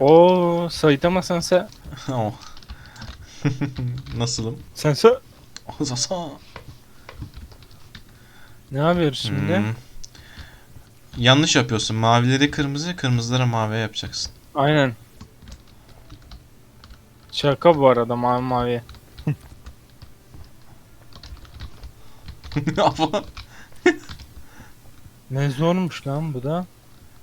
Oo, Saitama Sensei. Oh. Nasılım? Sensei. Sasa. Ne yapıyoruz şimdi? Hmm. Yanlış yapıyorsun. Mavileri kırmızı, kırmızıları mavi yapacaksın. Aynen. Şaka bu arada mavi mavi. Ama Ne zormuş lan bu da.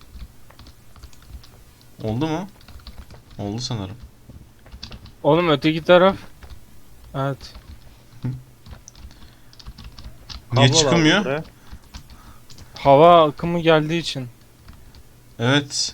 oldu mu? Oldu sanırım. Oğlum öteki taraf. Evet. Niye Kablo lazım çıkılmıyor? buraya. Hava akımı geldiği için. Evet.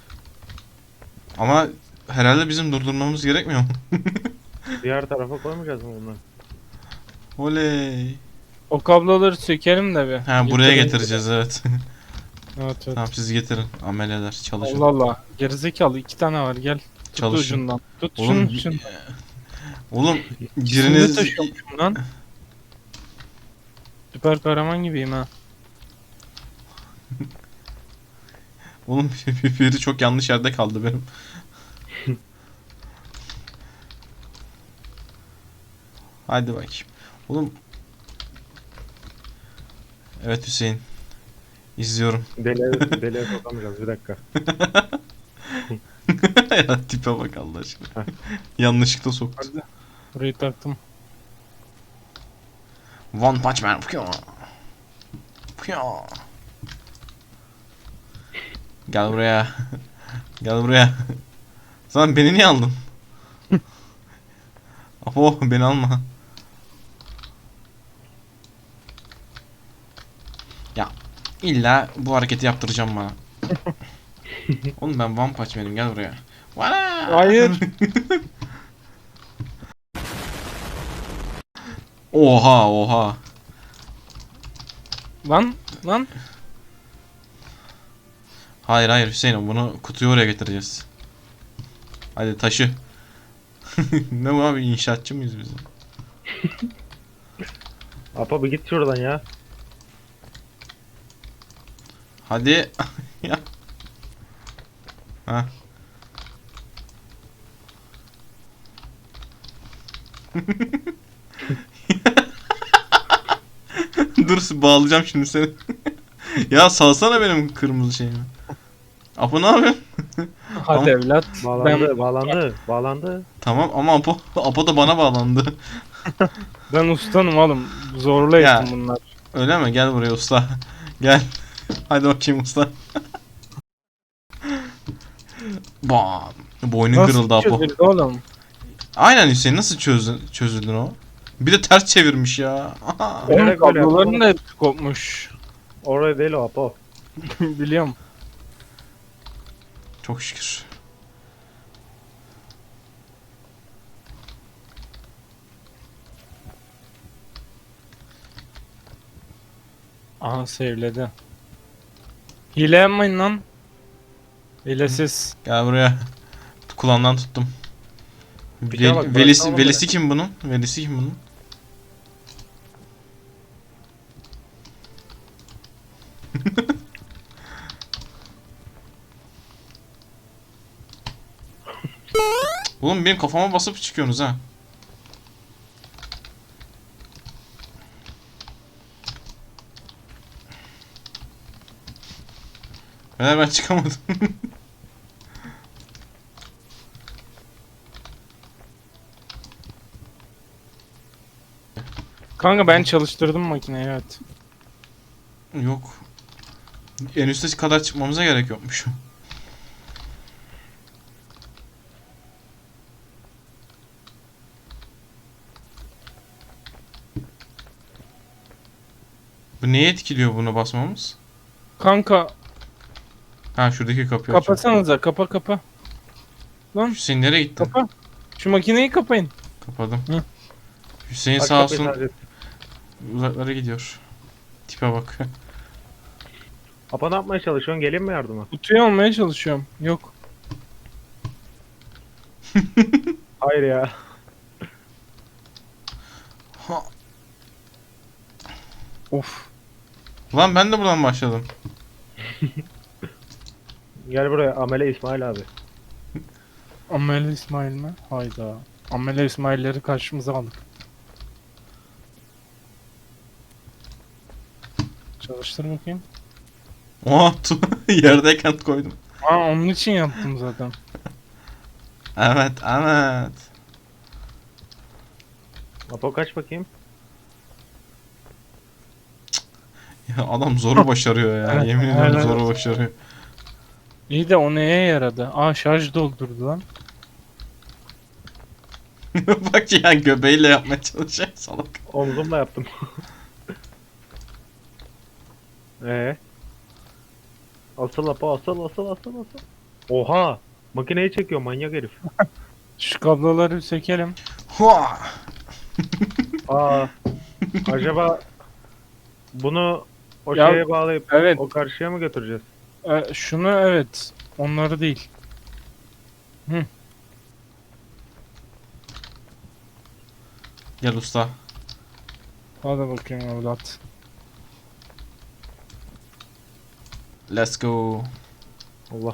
Ama herhalde bizim durdurmamız gerekmiyor mu? Diğer tarafa koymayacağız mı bunları? Oley. O kabloları sökelim de bir. Ha, buraya Getirin. getireceğiz, evet. Evet evet. Tamam, siz getirin. Ameleler çalışın. Allah Allah. Gerizekalı 2 tane var gel. Tut Çalışın. ucundan. Tut Oğlum, şunu. Oğlum İkisini de biriniz taşıyormuşum lan. Süper kahraman gibiyim ha. oğlum biri çok yanlış yerde kaldı benim. Hadi bakayım. Oğlum. Evet Hüseyin. İzliyorum. Deliğe sokamayacağız bir dakika. Ya tipe bak Allah aşkına. Heh. Yanlışlıkla soktu. Hadi. Burayı taktım. One Punch Man. Pyo. Pyo. Gel buraya. Gel buraya. Sen beni niye aldın? Apo, beni alma. Ya illa bu hareketi yaptıracağım bana. Oğlum ben One Punch Man'im, gel buraya. Vana! Hayır. Oha oha. Lan. Hayır hayır Hüseyin, bunu kutuyu oraya getireceğiz. Hadi taşı. Ne bu abi, inşaatçı mıyız biz? Apa bir git şuradan ya. Hadi. Ya. Ha. Dur, bağlayacağım şimdi seni. Ya salsana benim kırmızı şeyimi. Apo ne yapıyorsun? Hadi Ama- evlat. Bağlandı. Tamam ama Apo da bana bağlandı. Ben ustanım oğlum. Zorla Ya. ettim bunlar. Öyle mi? Gel buraya usta. Gel. Hadi bakayım usta. Bam. Boynun kırıldı Nasıl Apo. çözüldü oğlum? Aynen Hüseyin, nasıl çözüldün o? Bir de ters çevirmiş ya. Oğlum Bilerek böyle kabloların yaptım. da hepsi kopmuş. Oraya değil o Apo. Biliyorum. Çok şükür. Aha sevledi. Hile yapmayın lan. Hilesiz. Gel buraya. Kulağından tuttum. Bir kere bak, Velisi, bıraksana velisi kim bunun? Velisi kim bunun? Oğlum benim kafama basıp çıkıyorsunuz ha. Ben çıkamadım. Kanka ben çalıştırdım makineyi evet. Yok. En üstte kadar çıkmamıza gerek yokmuş. Bu neye etkiliyor bunu basmamız? Kanka Ha, şuradaki kapıyı açıyor. kapasanıza kapa. Lan Hüseyin nereye gitti? kapa. Şu makineyi kapayın. Kapadım. Hı. Hüseyin Aç sağ kapıyı olsun sadece. uzaklara gidiyor. Tipe bak. Apa ne yapmaya çalışıyorsun? Geleyim mi yardıma? Kutuyu almaya çalışıyorum. Yok. Hayır ya. Ha. Of. Lan ben de buradan başladım. Gel buraya Amele İsmail abi. Amel İsmail mi? Hayda. Amel İsmail'leri karşımıza aldık. Çalıştır bakayım. Oha yerdeyken koydum. Aa, onun için yaptım zaten. Evet evet. Apo kaç bakayım. Ya adam zoru başarıyor ya. Evet, Yemin ediyorum evet. zoru başarıyor. İyi de o neye yaradı? Aa, şarj doldurdu lan. Bak ya, göbeğiyle yapmaya çalışıyor salak. Omzumla yaptım. Asıl Apo asıl. Oha! Makineyi çekiyor manyak herif. Şu kabloları bir sökelim. Hua! Aa. Acaba bunu o Ya, şeye bağlayıp evet. o karşıya mı götüreceğiz? Şunu evet. Onları değil. Gel usta. Hadi bakayım evlat. Let's go. Allah.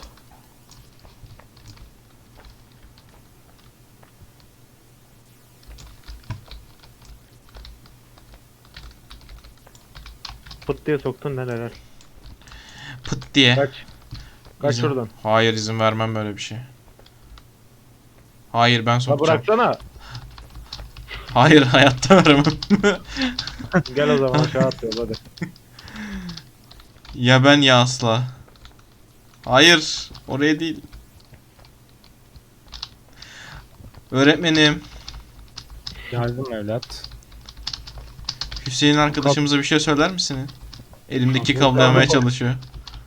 Pıt diye soktun lan helal. Pıt diye. Kaç. Kaç İzin- şuradan. Hayır, izin vermem böyle bir şey. Hayır, ben Ha sokacağım. bıraksana. Hayır, hayatta vermem. Gel o zaman aşağı atıyoruz hadi. Ya ben ya asla. Hayır, oraya değil. Öğretmenim, Geldim evlat. Hüseyin arkadaşımıza bir şey söyler misiniz? Elimdeki Yok, kablo yemeye yok. çalışıyor.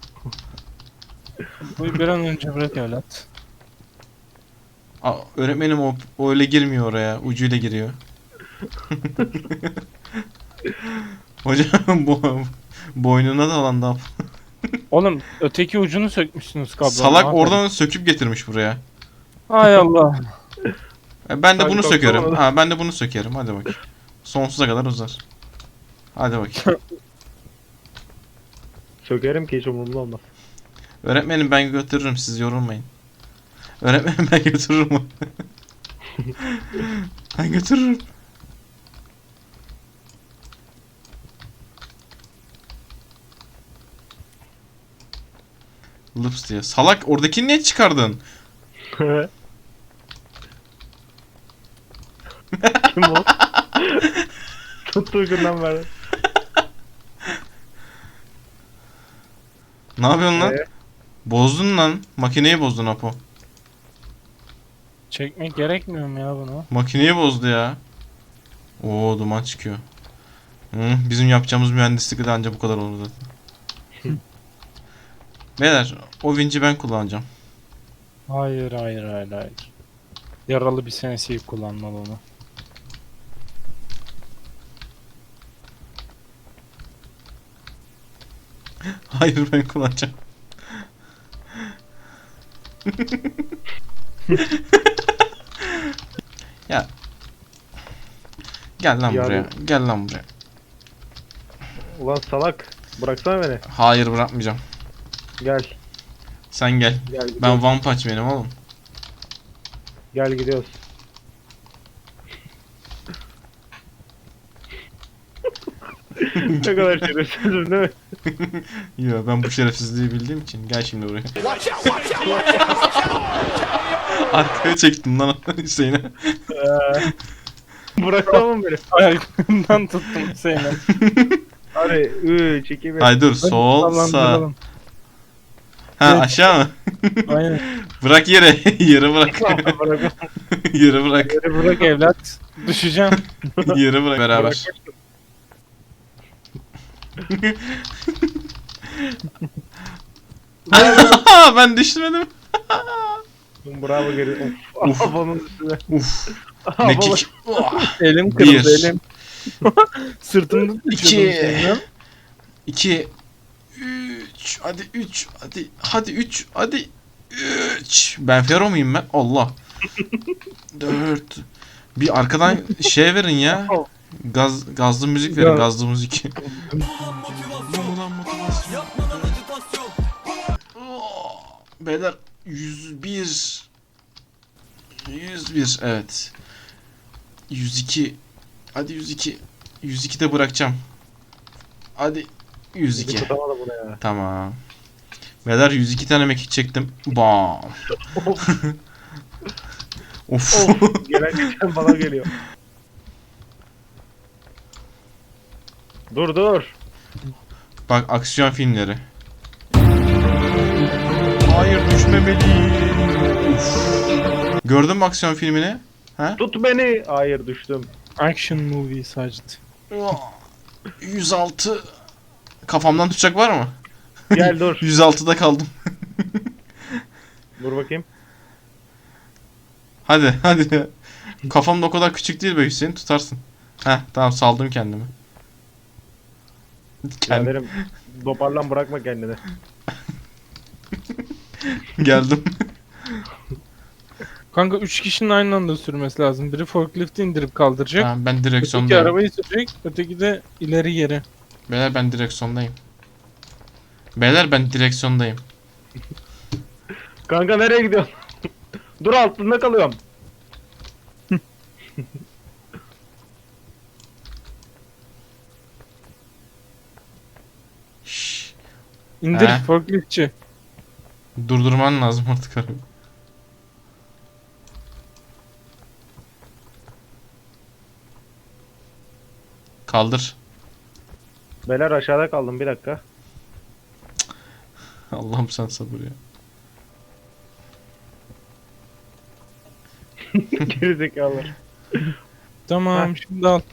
Bu bir an önce bırak evlat. Öğretmenim, o öyle girmiyor oraya. Ucuyla giriyor. Hocam boynuna da Oğlum öteki ucunu sökmüşsünüz kablonun. salak Aferin. oradan söküp getirmiş buraya. Hay Allah. Ben de Sanki bunu baksana sökerim. ona. Ha, ben de bunu sökerim. Hadi bakayım. Sonsuza kadar uzar. Hadi bakayım. Sökerim ki hiç umurumda olmaz. Öğretmenim, ben götürürüm, siz yorulmayın. Öğretmenim, ben götürürüm. Ben götürürüm. Lups diye. Salak, oradakini niye çıkardın? Kim o? Tuttuğu günden beri. Ne yapıyorsun lan? Ee? Bozdun lan. Makineyi bozdun Apo. Çekmek gerekmiyor mu ya bunu? Makineyi bozdu ya. Oo, duman çıkıyor. Bizim yapacağımız mühendislik de ancak bu kadar olur zaten. Beyler, o vinci ben kullanacağım. Hayır. Yaralı bir senesi kullanmalı onu. Hayır, ben kullanacağım. Ya. Gel lan Ya buraya. Gel lan buraya. Ulan salak. Bıraksana beni. Hayır, bırakmayacağım. Gel. Sen gel. Gel gidiyoruz. Ben One Punch benim oğlum. Gel gidiyoruz. Ne kadar şerefsizim değil mi? Yo, ben bu şerefsizliği bildiğim için. Gel şimdi buraya. Arkaya çektim lan Hüseyin'e. Bıraksana mı beni? Ayaklarından tuttum seni. Hadi 3, 2, 1. Ay dur, sol sağ. Sallandıralım. Ha, Evet. aşağı mı? Aynen. Bırak yere. Yere bırak. Bırak. Yere bırak. Geri bırak evlat. Düşeceğim. Yere bırak. Beraber. Ben düşmedim. Bravo geri. Of. Afanın üstüne. Uf. Afanın- Mekik. Elim kırıldı Bir. elim. Sırtımda İki. düşüyordum senin. 2 3 hadi 3 hadi 3 hadi 3. Ben Fero muyum ben? Allah. 4. Bir arkadan şey verin ya. Gazlı müzik verin, Ya. gazlı müzik. Beyler 101. 101 evet. 102. Hadi 102. 102 de bırakacağım. Hadi 102. Tutamadı bunu ya. Tamam. Beyler 102 tane mekik çektim. Bam. Of. Gelen geçen bana geliyor. Dur. Bak aksiyon filmleri. Hayır düşmemeliyim. Uf. Gördün mü aksiyon filmini? Ha? Tut beni. Hayır düştüm. Action movie Sacit. 106. Kafamdan tutacak var mı? Gel dur. 106'da kaldım. Dur bakayım. Hadi. Kafam da o kadar küçük değil be Hüseyin, tutarsın. Heh tamam, saldım kendimi. Biraderim toparlan, bırakma kendini. Geldim. Kanka 3 kişinin aynı anda sürmesi lazım. Biri forklifti indirip kaldıracak. Tamam, ben Öteki direksiyondayım. arabayı sürecek. Öteki de ileri geri. Beyler ben direksiyondayım. Beyler ben direksiyondayım. Kanka nereye gidiyorsun? Dur, altında kalıyorum. Şşş. İndir He. forkliftçi. Durdurman lazım artık arabayı. Kaldır. Beyler aşağıda kaldım, bir dakika. Allah'ım sen sabır ya. Gerizekalılar. Tamam şimdi al.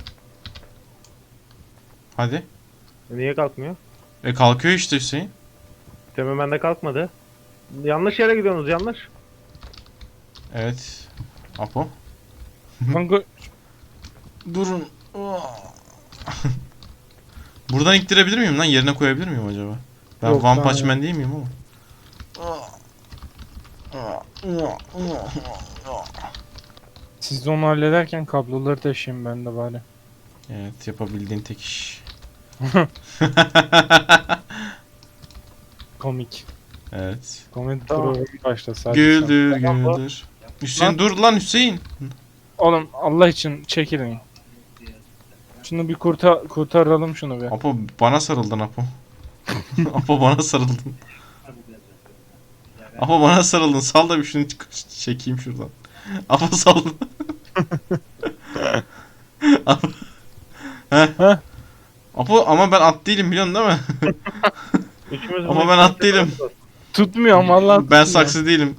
Hadi. Niye kalkmıyor? Kalkıyor işte Hüseyin. Demin bende kalkmadı. Yanlış yere gidiyorsunuz, yanlış. Evet. Apo. Kanka Durun. Buradan iktirebilir miyim lan? Yerine koyabilir miyim acaba? Ben Yok One lan Punch ya. Man değil miyim ama? siz de onu hallederken kabloları taşıyayım ben de bari. Evet, yapabildiğin tek iş. Komik. Evet. Komedi Tamam. programı başla sadece. Güldür Tamam bu. güldür. Hüseyin Lan. dur lan Hüseyin. Oğlum Allah için çekilin. Şunu bir kurtaralım şunu bir. Apo bana sarıldın Apo. Apo bana sarıldın. Apo bana sarıldın. Sal da bir şunu çekeyim şuradan. Apo sal. Apo. Heh. Heh. Apo ama ben at değilim, biliyorsun değil mi? Üçümüz Ama ben at değilim. Tutmuyor ama Allah Ben tutmuyor. saksı değilim.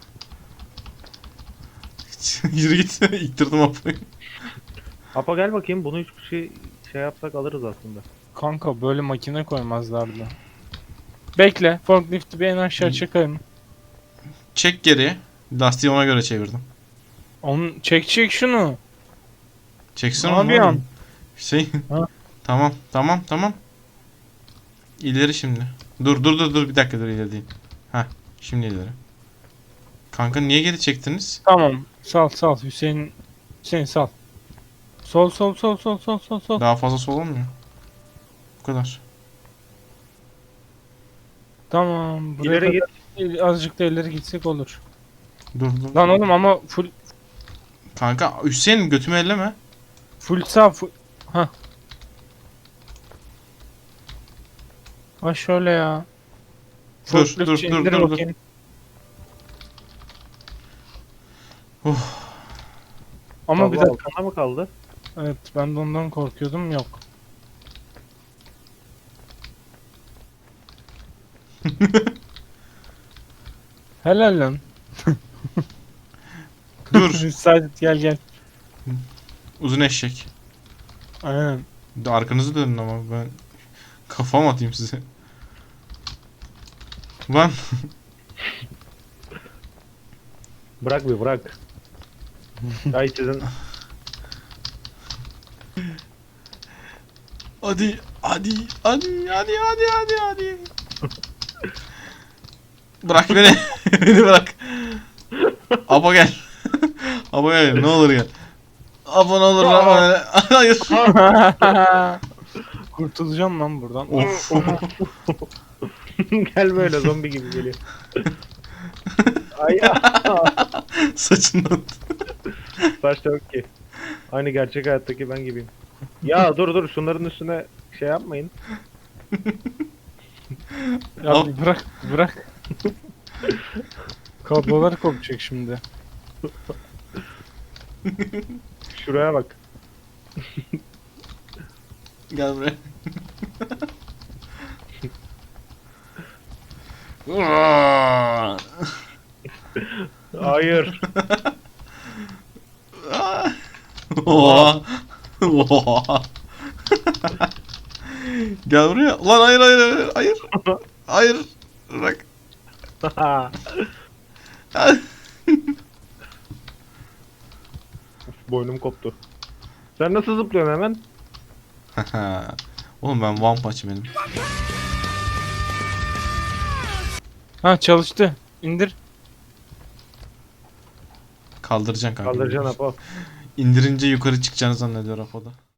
Yürü git. İttirdim Apo'yu. Apa gel bakayım, bunu 3 kişi şey yapsak alırız aslında. Kanka böyle makine koymazlardı. Bekle. Forklifti bir en aşağı çekelim. Çek geri. Lastiği ona göre çevirdim. Onu çek şunu. Çeksin Ne onu. yapıyorsun? oğlum. Hüseyin. Ha? Tamam. İleri şimdi. Dur bir dakika, dur ileri değil. Heh, şimdi ileri. Kanka niye geri çektiniz? Tamam. Sal. Hüseyin sal. Sol. Daha fazla sol olmuyor. Bu kadar. Tamam. Buraya İleri git. kadar azıcık da ileri gitsek olur. Dur. Lan oğlum ama Kanka Hüseyin götümü elleme. full sağ full. Hah. Ha şöyle ya. Dur, Forkliftçi dur, indir dur. bakayım. Ama bir Kablo dakika. altında mı kaldı? Evet ben de ondan korkuyordum yok. Helal lan. Dur. Saadet gel. Uzun eşek. Aynen. Arkanızı dönün ama ben kafam atayım size. Lan Bırak bir bırak. Ay sizin. hadi. Bırak beni. Beni bırak. Abo gel. Abo gel, ne olur gel. Abo ne olur lan. Hayır. Kurtulacağım lan buradan. Of. Gel böyle zombi gibi geliyor. Ay Saçından. Saç da yok ki. Aynı gerçek hayattaki ben gibiyim. Ya dur şunların üstüne şey yapmayın. Ya Al. bir bırak. Kablolar kopacak şimdi. Şuraya bak. Gel buraya. Hayır. Oha. Oha. Gel buraya. Lan hayır hayır hayır hayır. Hayır. Bırak. Boynum koptu. Sen nasıl zıplıyorsun hemen? Oğlum ben one punch benim. Ha çalıştı. İndir. Kaldıracaksın kanka. Kaldıracaksın Apo. İndirince yukarı çıkacağını zannediyor Apo'da.